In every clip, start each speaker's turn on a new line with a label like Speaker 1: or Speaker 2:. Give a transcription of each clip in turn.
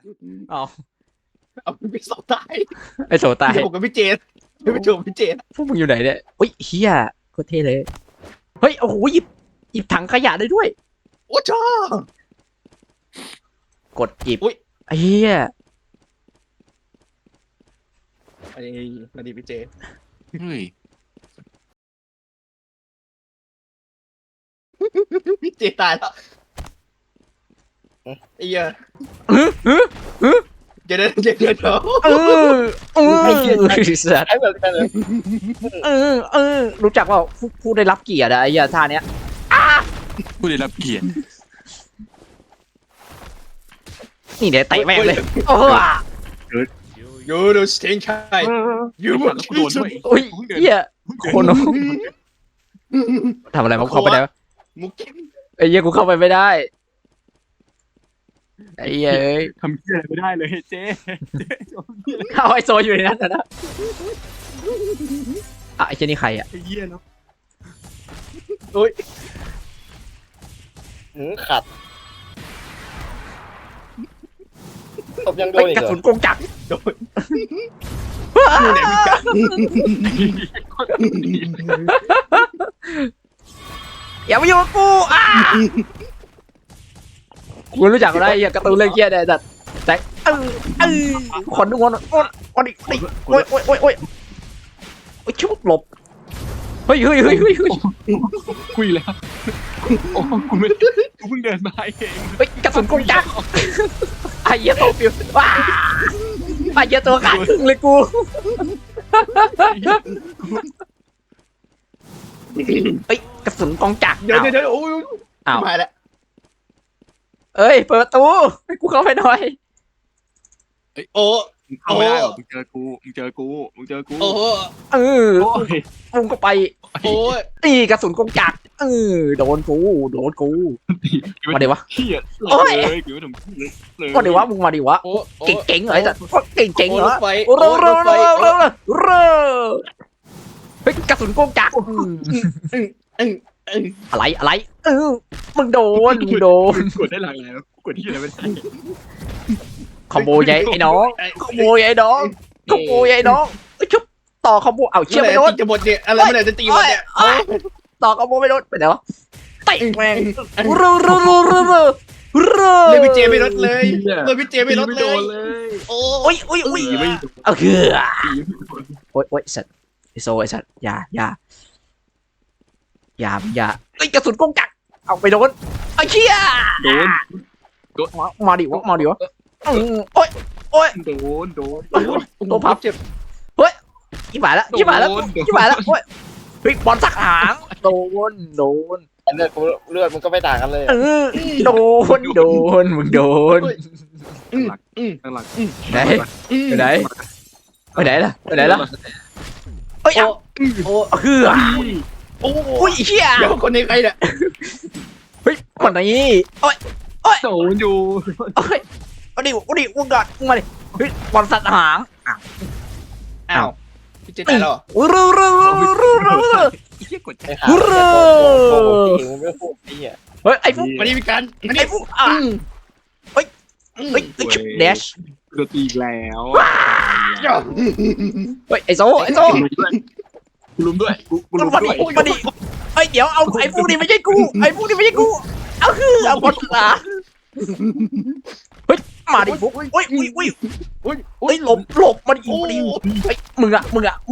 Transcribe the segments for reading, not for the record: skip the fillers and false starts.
Speaker 1: อ๋อ
Speaker 2: เอาพี่โซตาย
Speaker 1: ไอโซตาย
Speaker 2: พี่โจกับพี่เจนพี่โจกับพี่เจน
Speaker 1: พวกมึงอยู่ไหนเนี่ยอุ้ยเฮียโคตรเท่เลยเฮ้ยโอ้โหหยิบถังขยะได้ด้วย
Speaker 2: โอ้ชอก
Speaker 1: ดหยิบ
Speaker 2: อุ๊ย
Speaker 1: เฮีย
Speaker 2: อันนี้นาดีพี่เจ
Speaker 3: เฮ้ย
Speaker 2: พี่เจตายแล้วไอ้เหี้ย
Speaker 1: อื้ออื้ออื้อ
Speaker 2: เดี๋ยวเดี๋ยวเดี๋ยว
Speaker 1: สัตว์
Speaker 4: ไอ้แบบนั้นเลย
Speaker 1: รู้จักว่าผู้ได้รับเกียรติอะไอ้เหี้ยท่าเนี้ย
Speaker 3: ผู้ได้รับเกียรติ
Speaker 1: นี่เดี๋ยวเตะแม่งเลยโอ้
Speaker 2: ยูโดสเตนไคยู
Speaker 3: แล้วกูโดนด้วย
Speaker 1: อุ้ยเหี้ยคนทำอะไรมาเข้าไปได้ปะ
Speaker 2: มุก
Speaker 1: ไอ้เหี้ยกูเข้าไปไม่ได้ไอ้เหี้ยเอ้ย
Speaker 3: ทำเหี้ยอะไรไม่ได้เลยเจ๊
Speaker 1: เอาไอโซอยู่ในนั้นนะไอ้เจนี่ใครอะ
Speaker 3: ไอ้เหี้ยเนาะ
Speaker 2: โอ้ย
Speaker 4: ขัดตบยังโด
Speaker 1: ไอ้
Speaker 4: นอีก
Speaker 1: กระ
Speaker 4: เหรอ
Speaker 1: สุนกงจักร
Speaker 2: โดนอยู่ไหนพี่กัน
Speaker 1: อย่ามาอยู่กับกูกูรู้จักอะไรไอ้เหี้ยการ์ตูนเรื่องเหี้ยเนี่ยแต่คนนึกว่าดิโอ้ยโชุบหลบเฮ้ย
Speaker 3: คุยแล้วโอ้กูไม่กูเพิ่งเดินมาเอง
Speaker 1: เฮ้ยกระสุนกงจักรไอ้เหี้ยตัวปิวว้าไอ้เหี้ยตัวขาดครึ่งเลยกูเฮ้ยกระสุนกงจักร
Speaker 2: เดี๋ยวโอ้ย
Speaker 1: อ้าว
Speaker 2: มาแล้ว
Speaker 1: เอ้ยเปิดประตูให้กูเข้าไปหน่อย
Speaker 2: โอ้
Speaker 3: เข้าไม่ได้หรอกมึงเจอกู
Speaker 2: โอ้
Speaker 1: เออ
Speaker 3: โอ้ย
Speaker 1: ปุ้งก็ไป
Speaker 2: โอ้ย
Speaker 1: ตีกระสุนกงจักรโดนกูมาดิวะ
Speaker 3: เหี้ย
Speaker 1: โอ้ย
Speaker 3: เลยกูไม่ทำเลย
Speaker 1: มาดิวะมึงมาดิวะ
Speaker 2: โอ้
Speaker 1: เก่งเหรอไอ้สัสเก่งเหรอ
Speaker 2: ไฟ
Speaker 1: เฮ้ยกระสุนกงจักรอะไรมึงโดน
Speaker 3: กดได้หลากหลายแล้วกดที่อะไรไม่ได้
Speaker 1: คอมโบใหญ่ไอ้น้องคอมโบใหญ่น้องชุบต่อคอมโบเอาเชี่ยไม่โดน
Speaker 2: จะหมดเนี่ยอะไรเมื่อไหร่จะตีหมดเนี่ย
Speaker 1: ต่อคอมโบไม่โดนไปไหนวะเตะแม่ง
Speaker 2: เลยพี่เจไม่ลดเลยเลยพี่เจไม่ลดเลยโอ้ย
Speaker 1: โอ้ย
Speaker 3: ไม่
Speaker 1: เอาคือโอ้ยสัตว์ไอโซไอสัตว์อย่าไอกระสุนกงจักรเอาไปโดนไอ้เชี่ย
Speaker 3: โดน
Speaker 1: มาดิวะโอ้ย
Speaker 3: โดน
Speaker 1: ตัวพับ
Speaker 2: เจ็บ
Speaker 1: ยี่หมายแล้วโอ้ยเฮ้ยบอลสักหางโดน
Speaker 4: เลือดมันก็ไม่ต่างกันเลย
Speaker 1: โดนมึงโดน
Speaker 3: ตั้งหลัก
Speaker 1: ไหนไปไหนล่ะเอ้ยเอา
Speaker 2: โอ้
Speaker 1: คือ
Speaker 2: โอ้
Speaker 1: อุ้ยเชี่ย
Speaker 2: เดี๋ยวคนนี้ใครเนี่ย
Speaker 1: เฮ้ยคนนี้โอ้ย
Speaker 3: โดนอยู่
Speaker 1: เอาดิมึงก่อนมึงมาดิเฮ้ยบอลสัตว์หาง
Speaker 2: อ้าวพี่เจตายแล้ว
Speaker 1: รู
Speaker 3: เหี้ยกด
Speaker 4: ไอ้ขาโกงจริงมันไม่พูดไอ้เหี้ย
Speaker 1: เฮ้ยไอ้ฟุก
Speaker 2: มาดิพี่กันมาดิ
Speaker 1: ไอ้ฟุกเฮ้ยเดช
Speaker 3: โดนตีแล้ว
Speaker 1: เฮ้ยไอ้โซ
Speaker 3: กูลุมด้วยกูลุม
Speaker 1: มา
Speaker 3: ด้วย
Speaker 1: ดิเฮ้ยเดี๋ยวเอาไอ้ฟุกนี่ไม่ใช่กูเอาคือเอาบอลสัตว์หางเฮ้ยมาดิฟุกเฮ้ยหลบมาดิเฮ้ยมึงอะ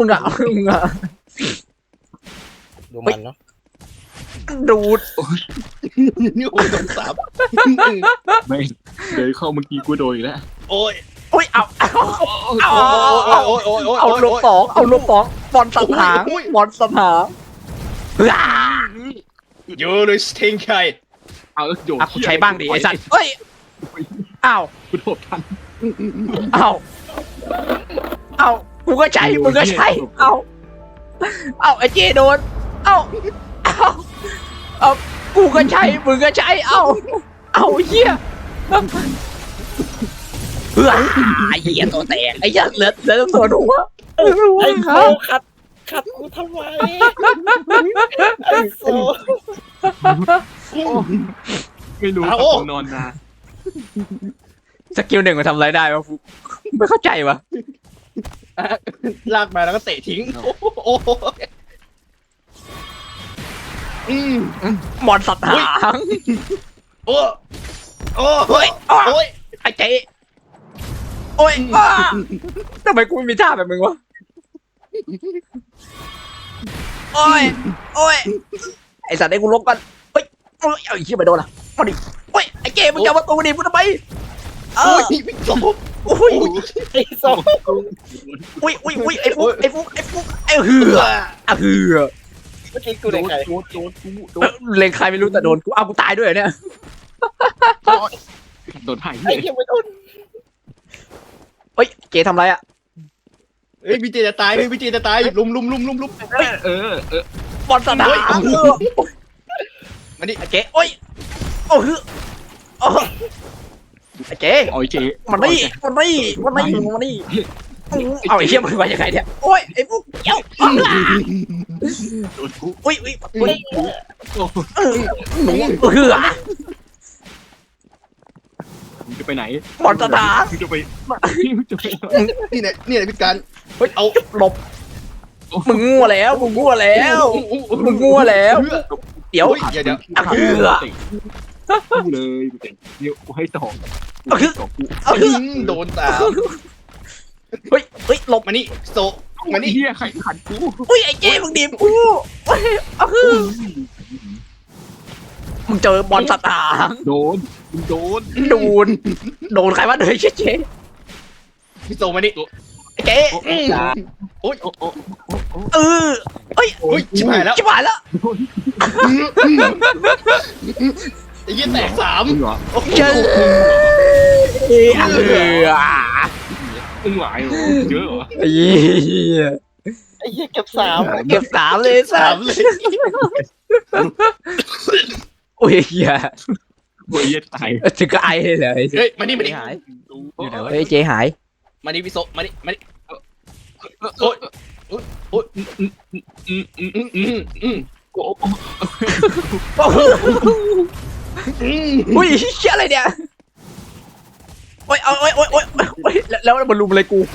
Speaker 4: ดูมันเนาะ
Speaker 1: ดูด
Speaker 2: นี่โอ้ยโดนสาม
Speaker 3: ไม่เดี๋ยวเข้าเมื่อกี้กูโดนอีกแล้ว
Speaker 2: โอ้ย
Speaker 1: โอ้ยเอา
Speaker 2: เอา
Speaker 1: ลบสองบอลสัตว์หาง
Speaker 2: ยูโดสเตนไค
Speaker 3: เอาแล้วโย
Speaker 1: กูใช้บ้างดิไอ้สัตว์เฮ้ยอ้าว
Speaker 3: กูโดดทัน
Speaker 1: อ้าวกูก็ใช้มึงก็ใช้เอาไอ้เจโดนเอากูก็ใช้มึงก็ใช้เอาเหี้ยไอ้เหี้ยตัวแตกไอ้เหี้ยเหลือตัวหัว
Speaker 4: ไอ้โซขัดกูทำไมไอ้โซ
Speaker 3: ไม่รู้นอนนาน
Speaker 1: เซสกิลหนึ่งมันทำอะไรได้วะฟุกไม่เข้าใจวะ
Speaker 2: ลากมาแล้วก็เตะทิ้งโอ้โห
Speaker 1: มอนสัตว์หาง
Speaker 2: โอ้โอ้
Speaker 1: เฮ้ย
Speaker 2: โอ้ย
Speaker 1: ไอ้เจ๊โอ้ยทำไมกูไม่มีท่าแบบมึงวะโอ้ยโอ้ยไอสัตว์ไอ้กูลบกันเฮ้ยโอ้ยเอาอีกทีไปโดนละมาดิโอ้ยไอ้เจ๊มึงจะมาตูดิมึงทำไม
Speaker 2: โอ้ยพี่โจ
Speaker 1: โอ้ย
Speaker 4: ไอ้สอง
Speaker 1: อุ้ยไอ้ฟุกไอ้เหืออ่ะเหือ
Speaker 4: เมื่อกี้กูได้ใคร
Speaker 3: โดนกู
Speaker 1: เล็งใครไม่รู้แต่โดนกูเอากูตายด้วยเนี่ย
Speaker 3: โดนหาย
Speaker 4: ไอ้
Speaker 3: เลย
Speaker 4: เหี้ยังไม่โดน
Speaker 1: เฮ้ยเจ๊ทำไรอ่ะ
Speaker 2: เฮ้ยพี่เจจะตายพี่เจจะตายลุม
Speaker 3: เออบ
Speaker 1: อลสนาม
Speaker 2: มาดิ
Speaker 1: ไอ้เจ๊โอ้ยโอ้เหือโอ้ไอ้เจ๊
Speaker 3: โอ้ยเจ๊
Speaker 1: มันนี่เอาไอ้เหี้ยมันมายังไงเนี่ยโอ้ยไอ้พวกเหี้ยว
Speaker 3: โดนกู
Speaker 1: อุ้ย
Speaker 3: โอ้
Speaker 1: หนูเหือ
Speaker 3: มึงจะไปไหน
Speaker 1: บอลสนาม
Speaker 3: มึงจะไป
Speaker 2: นี่เนี่ยพี่การ
Speaker 1: เฮ้ยเอาหลบมึงงัวแล้วเดี๋ยว
Speaker 2: เดี๋ยว
Speaker 1: อ่ะเหือ
Speaker 3: กูเลยเดี๋ยวกูให้ต่อกู
Speaker 1: เอาเหือ
Speaker 2: โดนตาม
Speaker 1: เฮ้ยหลบ
Speaker 2: มานี่โซมานี่
Speaker 3: เฮียใครขัดกู
Speaker 1: อุ้ยไอ้เจ๊มึงดีบกูเอาเหือมึงเจอบอลสนาม
Speaker 3: โดนมึงโดน
Speaker 1: โดนใครวะเดี๋ยวเจ๊
Speaker 2: พี่โซมานี่
Speaker 1: เจ๊
Speaker 2: โอ้ย
Speaker 1: เฮ้ย
Speaker 2: โอ้ยชิบหายแล้ว
Speaker 1: ชิบหายแล้ว
Speaker 2: ไอ้ยี่แตก3
Speaker 3: มึงเหรอ
Speaker 1: เจออ่ะเหือ
Speaker 3: มึงหลายเหรอเยอะเหรอ
Speaker 1: ไอ้เหี้ย
Speaker 4: ไอ้เหี้ยเก็บสาม
Speaker 1: เก็บ3เลยสัตว์
Speaker 2: 3เลย
Speaker 1: โอ้ยเหี้ย
Speaker 3: โอ้ยตาย
Speaker 1: ถึงก็ไอเลย
Speaker 2: เฮ้ยมานี่
Speaker 1: หายเฮ้ยเจ๊หาย
Speaker 2: มานี่พี่โซมานี่โอ้ยโอ้ย
Speaker 3: กู
Speaker 1: อุ้ยเชี่ยอะไรเนี่ยโอ้ยแล้วมันลุมอะไรกู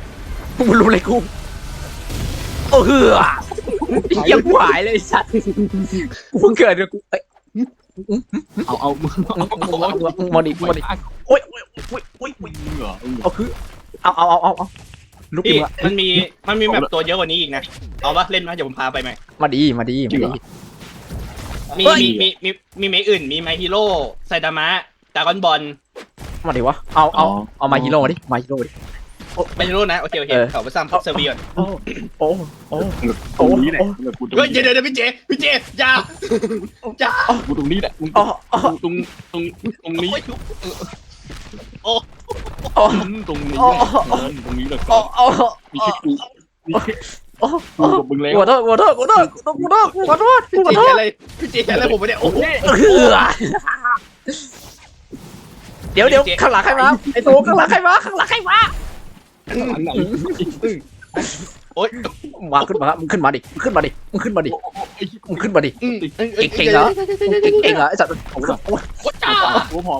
Speaker 1: โอ้เหือเหี้ยกูหายเลยสัตว์กูเพิ่งเกิดเลยกูเอ้ย
Speaker 3: เอามึง
Speaker 1: มาดิโอ้ย
Speaker 3: มึงเหรอ
Speaker 1: เอาคือเอาลุก
Speaker 2: พี่
Speaker 1: ขึ้นมา
Speaker 2: มันมีแบบตัวเยอะกว่านี้อีกนะเอาปะเล่นมาเดี๋ยวผมพาไปไหม
Speaker 1: มาดี
Speaker 2: มีไม้อื่นมีไมฮีโร่ไซดามะดากอนบอล
Speaker 1: มาดิวะเอามาฮีโร่ดิมาฮีโร่ดิ
Speaker 2: ไมฮีโร่นะโอเคเขาไปซ้ำเซอร์เวียน
Speaker 1: โอ้
Speaker 3: ตรงนี้แหละกูตรง
Speaker 2: เฮ้ยเดี๋ยวพี่เจอย่า
Speaker 3: กูตรงนี้แหละมึงตรงนี้ ตรงนี้แหละตรงนี้แหละมีแค่กูกูกับมึงแล้ว
Speaker 1: ขอโทษ
Speaker 2: พี่เจอะไรผมไม่ได้โอ้โห
Speaker 1: เดี๋ยวข้างหลังใครมาไอ้โตข้างหลังใครมา
Speaker 3: อันไหน
Speaker 2: โอ๊ย
Speaker 1: มาขึ้นมาดิเก่งเหรอไอ้สัตว์
Speaker 2: จ้า
Speaker 3: กูพอ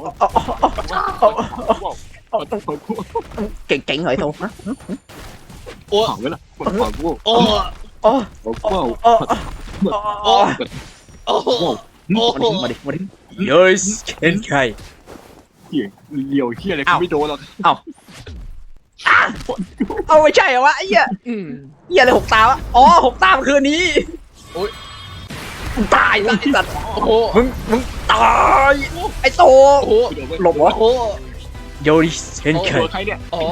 Speaker 1: เก่งเหรอไอ้โตฮะ
Speaker 2: โอ้
Speaker 3: เผาไว้ละเผากู
Speaker 2: โอ้
Speaker 1: โอ้
Speaker 3: เผา
Speaker 2: โอ้
Speaker 3: โอ้
Speaker 2: โอ้
Speaker 1: มาดิเย้ยเห็นใคร
Speaker 3: เหี้ยเลี้ยวเหี้ยอะไรกูไม่โดนหรอก
Speaker 1: เอาไม่ใช่เหรอวะไอ้เหี้ยอะไร6 ตาวะอ๋อ6 ตามคืนนี้ตายละไอ้สัตว์
Speaker 2: โอ้โห
Speaker 1: มึงตายไอ้โต
Speaker 2: โอ้โห
Speaker 1: หลบวะ
Speaker 2: โอ้โห
Speaker 1: โยริเห็นใคร
Speaker 3: ใครเนี่ย
Speaker 2: โอ้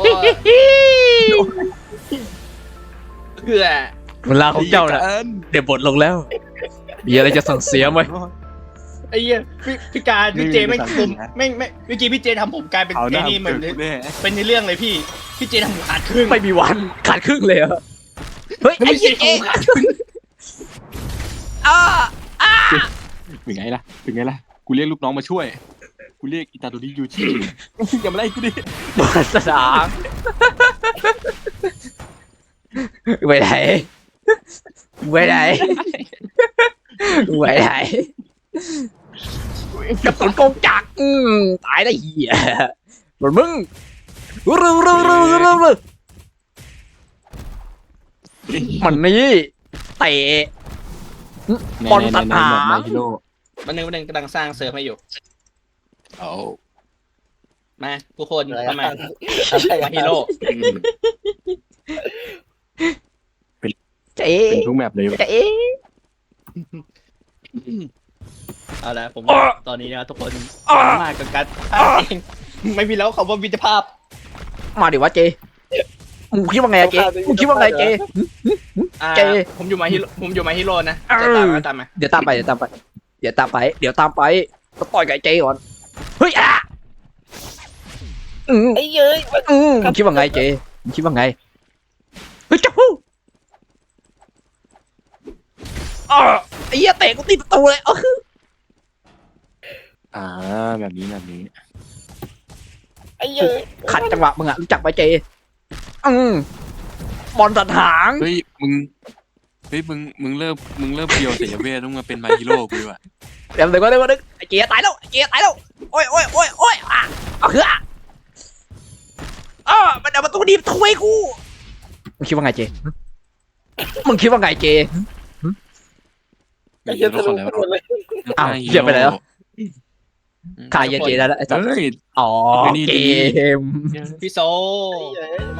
Speaker 2: เพื่อ
Speaker 1: เวลาของเจ้าน่ะเดี๋ยวบทลงแล้ว มีอะไรจะสั่งเสียไหม
Speaker 2: ไอ้เหี้ยพี่การพี่เจไม่ผมไม่เมื่อกี้พี่เจทำผมกลายเป็นไอ้นี่เหมือนเป็นในเรื่องเลยพี่เจทำผมขาดครึ่ง
Speaker 1: ไม่มีวันขาดครึ่งเลยเหรอเฮ้ยไอ้เหี้ยเจ๊
Speaker 3: เป็นไงล่ะกูเรียกลูกน้องมาช่วยกูเรียกอิตาโดริยูชิอย่ามาไล่กูดิ
Speaker 1: บอลสนามไปไหนกับตุนกงจักรตายได้เหี้ยหมดมึงเร็วมันนี่เตะ บอลตัดหาง
Speaker 3: มาฮิโร่
Speaker 2: วันหนึงกำลังสร้างเซิร์ฟให้อยู่
Speaker 3: เอา
Speaker 2: มาทุกคนเข้ามา
Speaker 4: อะไร
Speaker 2: มาฮีโร่
Speaker 1: เจ๊
Speaker 3: เป็นทุกแมปเลย
Speaker 1: เจ๊
Speaker 2: เอาละผม
Speaker 1: อ้อ
Speaker 2: ตอนนี้นะทุกคน
Speaker 1: อ้อ
Speaker 2: มากกับการเองไม่มีแล้วคำว่าวิจภาพ
Speaker 1: มาดิวะเจมึงคิดว่าไงอะเจมึงคิดว่าไงเจ
Speaker 2: อ่า
Speaker 1: เจ
Speaker 2: ผมอยู่มาฮีโร่นะ
Speaker 1: เออ
Speaker 2: จะตามมา
Speaker 1: เดี๋ยวตามไปก็ต่อยกับไอ้เจก่อนเฮ้ยอ่ะ
Speaker 4: ไอ้เย้ย
Speaker 1: มึงคิดว่าไงเจมึงคิดว่าไงเฮ้ยจู้ไอ้เหี้ยเตะกูติดประตูเลยคือ
Speaker 3: แบบนี้
Speaker 4: ไอ้เย้ย
Speaker 1: ขัดจังหวะมึงอะรู้จักไหมเจบอลตัดหาง
Speaker 3: เฮ้ยมึงเลิกเบียวเสียเวทต้องมาเป็นมาฮิโร่กูดีกว่า
Speaker 1: เดี๋ยวไอ้เจตายแล้วโอ้ยอ่ะเอาคืออ่ะมันเอาประตูดีบถ้วยกูมึงคิดว่าไงเจ
Speaker 4: ไอ้เย้ยทะลุหมดเลย
Speaker 1: อ้าวเหี้ยไปไหนแล้ว ขายเจได้แล้วไอ้สัส
Speaker 3: เฮ้ย
Speaker 1: อ๋อ
Speaker 3: นี่
Speaker 1: เก
Speaker 3: ดี
Speaker 1: ม
Speaker 2: พี่โซ
Speaker 4: ไอ้เย้ย